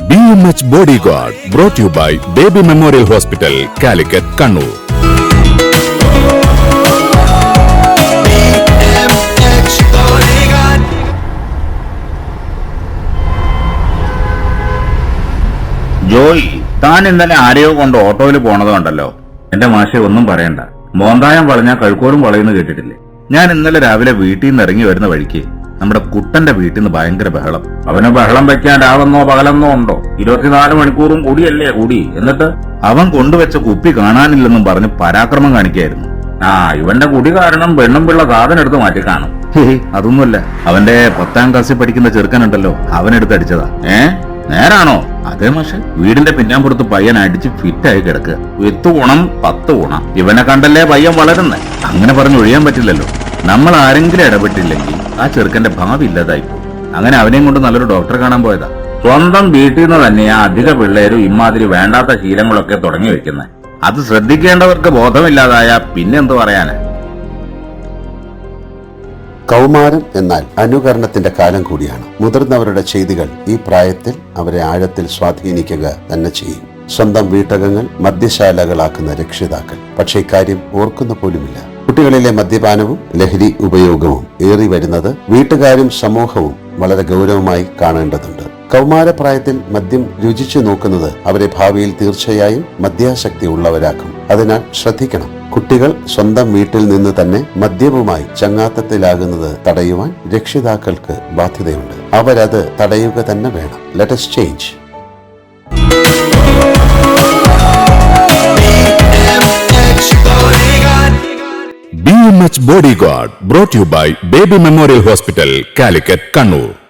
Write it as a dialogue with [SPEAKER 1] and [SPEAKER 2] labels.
[SPEAKER 1] BMH Bodyguard brought to you by Baby Memorial Hospital, Calicut, Kannur.
[SPEAKER 2] Joy, താൻ ഇന്നലെ ആരെയോ കൊണ്ട് ഓട്ടോയിൽ പോണത് കണ്ടല്ലോ. എന്റെ മാഷെ ഒന്നും പറയണ്ട. മോന്തായം വളഞ്ഞാൽ കഴുക്കോലും വളയുന്നു കേട്ടിട്ടില്ലേ? ഞാൻ ഇന്നലെ രാവിലെ വീട്ടിൽ നിന്ന് ഇറങ്ങി വരുന്ന വഴിക്ക് നമ്മുടെ കുട്ടന്റെ വീട്ടിൽ നിന്ന് ഭയങ്കര ബഹളം. അവന് ബഹളം വെക്കാൻ രാവെന്നോ പകലെന്നോ ഉണ്ടോ? 24 മണിക്കൂറും കൂടിയല്ലേ കൂടി. എന്നിട്ട് അവൻ കൊണ്ടുവച്ച കുപ്പി കാണാനില്ലെന്നും പറഞ്ഞ് പരാക്രമം കാണിക്കായിരുന്നു. ഇവന്റെ കുടി കാരണം പെണ്ണും പിള്ള സാധനം എടുത്ത് മാറ്റി കാണും. അതൊന്നുമല്ല, അവന്റെ 10ാം ക്ലാസ്സിൽ പഠിക്കുന്ന ചെറുക്കനുണ്ടല്ലോ, അവനെടുത്ത് അടിച്ചതാ. നേരാണോ? അതേ മാഷെ, വീടിന്റെ പിന്നാമ്പുറത്ത് പയ്യൻ അടിച്ച് ഫിറ്റായി കിടക്കുക. 8 ഗുണം 10 ഗുണം. ഇവനെ കണ്ടല്ലേ പയ്യൻ വളരുന്നേ. അങ്ങനെ പറഞ്ഞൊഴിയാൻ പറ്റില്ലല്ലോ. നമ്മൾ ആരെങ്കിലും ഇടപെട്ടില്ലെങ്കിൽ ആ ചെറുക്കന്റെ ഭാവി ഇല്ലാതായി പോകും. അങ്ങനെ അവനെയും കൊണ്ട് നല്ലൊരു ഡോക്ടറെ കാണാൻ പോയതാ. സ്വന്തം വീട്ടിൽ നിന്ന് തന്നെയാ അധിക പിള്ളേരും ഇമാതിരി വേണ്ടാത്ത ശീലങ്ങളൊക്കെ തുടങ്ങി വെക്കുന്നത്. അത് ശ്രദ്ധിക്കേണ്ടവർക്ക് ബോധമില്ലാതായ പിന്നെന്ത് പറയാനാ?
[SPEAKER 3] കൗമാരം എന്നാൽ അനുകരണത്തിന്റെ കാലം കൂടിയാണ്. മുതിർന്നവരുടെ ചെയ്തികൾ ഈ പ്രായത്തിൽ അവരെ ആഴത്തിൽ സ്വാധീനിക്കുക തന്നെ ചെയ്യും. സ്വന്തം വീട്ടകങ്ങൾ മദ്യശാലകളാക്കുന്ന രക്ഷിതാക്കൾ പക്ഷേ ഇക്കാര്യം ഓർക്കുന്ന പോലുമില്ല. കുട്ടികളിലെ മദ്യപാനവും ലഹരി ഉപയോഗവും ഏറി വരുന്നത് വീട്ടുകാരും സമൂഹവും വളരെ ഗൗരവമായി കാണേണ്ടതുണ്ട്. കൗമാരപ്രായത്തിൽ മദ്യം രുചിച്ചു നോക്കുന്നത് അവരെ ഭാവിയിൽ തീർച്ചയായും മദ്യാസക്തി ഉള്ളവരാക്കും. അതിനാൽ ശ്രദ്ധിക്കണം. കുട്ടികൾ സ്വന്തം വീട്ടിൽ നിന്ന് തന്നെ മദ്യവുമായി ചങ്ങാത്തത്തിലാകുന്നത് തടയുവാൻ രക്ഷിതാക്കൾക്ക് ബാധ്യതയുണ്ട്. അവരത് തടയുക തന്നെ വേണം. Let us change.
[SPEAKER 1] BMH Bodyguard brought to you by Baby Memorial Hospital, Calicut, Kannur.